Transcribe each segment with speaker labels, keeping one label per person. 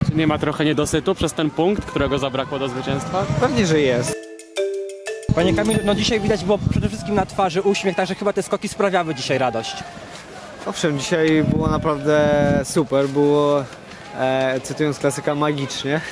Speaker 1: Nie ma trochę niedosytu przez ten punkt, którego zabrakło do zwycięstwa?
Speaker 2: Pewnie, że jest.
Speaker 3: Panie Kamilu, no dzisiaj widać było przede wszystkim na twarzy uśmiech, także chyba te skoki sprawiały dzisiaj radość.
Speaker 2: Owszem, dzisiaj było naprawdę super, było, cytując klasyka, magicznie.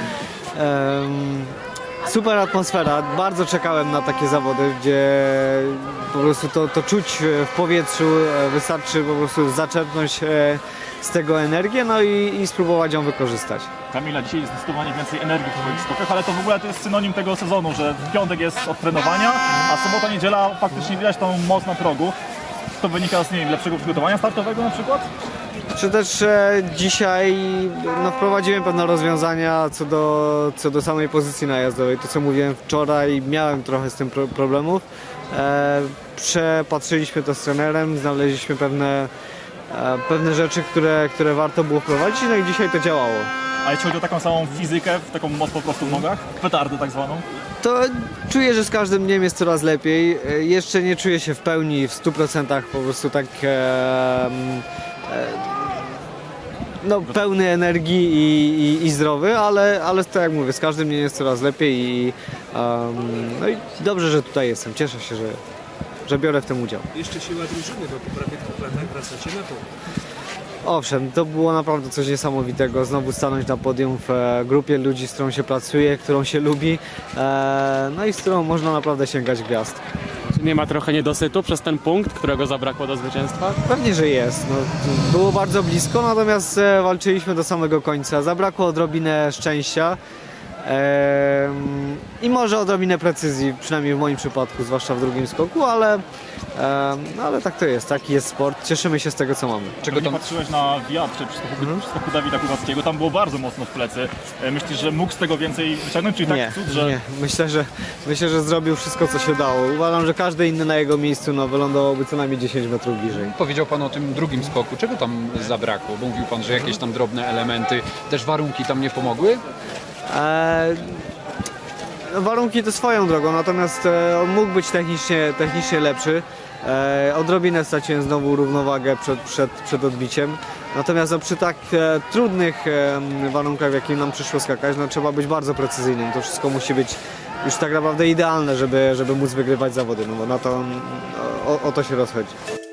Speaker 2: Super atmosfera, bardzo czekałem na takie zawody, gdzie po prostu to czuć w powietrzu, wystarczy po prostu zaczerpnąć z tego energię, no i spróbować ją wykorzystać.
Speaker 4: Kamila, dzisiaj jest zdecydowanie więcej energii w twoich skokach, ale to w ogóle to jest synonim tego sezonu, że w piątek jest od trenowania, a sobota, niedziela faktycznie widać tą moc na progu. To wynika z, nie wiem, lepszego przygotowania startowego na przykład?
Speaker 2: Czy też dzisiaj wprowadziłem pewne rozwiązania co do samej pozycji najazdowej. To co mówiłem wczoraj, miałem trochę z tym problemów. Przepatrzyliśmy to z trenerem, znaleźliśmy pewne rzeczy, które warto było wprowadzić, no i dzisiaj to działało.
Speaker 4: A jeśli chodzi o taką samą fizykę, taką moc po prostu w nogach, petardę tak zwaną?
Speaker 2: To czuję, że z każdym dniem jest coraz lepiej. Jeszcze nie czuję się w pełni, w 100% po prostu tak pełny energii i zdrowy, ale tak jak mówię, z każdym dniem jest coraz lepiej i dobrze, że tutaj jestem. Cieszę się, że biorę w tym udział.
Speaker 5: Jeszcze siła drużyny, bo po prawie 2 latach wracacie na to.
Speaker 2: Owszem, to było naprawdę coś niesamowitego. Znowu stanąć na podium w grupie ludzi, z którą się pracuje, którą się lubi, no i z którą można naprawdę sięgać gwiazd.
Speaker 1: Nie ma trochę niedosytu przez ten punkt, którego zabrakło do zwycięstwa?
Speaker 2: Pewnie, że jest. No, było bardzo blisko, natomiast walczyliśmy do samego końca. Zabrakło odrobinę szczęścia i może odrobinę precyzji, przynajmniej w moim przypadku, zwłaszcza w drugim skoku, ale tak to jest, taki jest sport. Cieszymy się z tego, co mamy.
Speaker 4: Czego tam patrzyłeś na wiatr przy skoku Dawida Kubackiego, tam było bardzo mocno w plecy. Myślisz, że mógł z tego więcej wyciągnąć, czyli
Speaker 2: Nie,
Speaker 4: tak cud, że...
Speaker 2: nie. Myślę, że zrobił wszystko, co się dało. Uważam, że każdy inny na jego miejscu wylądowałby co najmniej 10 metrów bliżej.
Speaker 6: Powiedział Pan o tym drugim skoku. Czego tam zabrakło? Bo mówił Pan, że jakieś tam drobne elementy, też warunki tam nie pomogły?
Speaker 2: Warunki to swoją drogą, natomiast on mógł być technicznie lepszy. Odrobinę straciłem znowu równowagę przed odbiciem. Natomiast przy tak trudnych warunkach, w jakich nam przyszło skakać, trzeba być bardzo precyzyjnym. To wszystko musi być już tak naprawdę idealne, żeby móc wygrywać zawody, no bo o to się rozchodzi.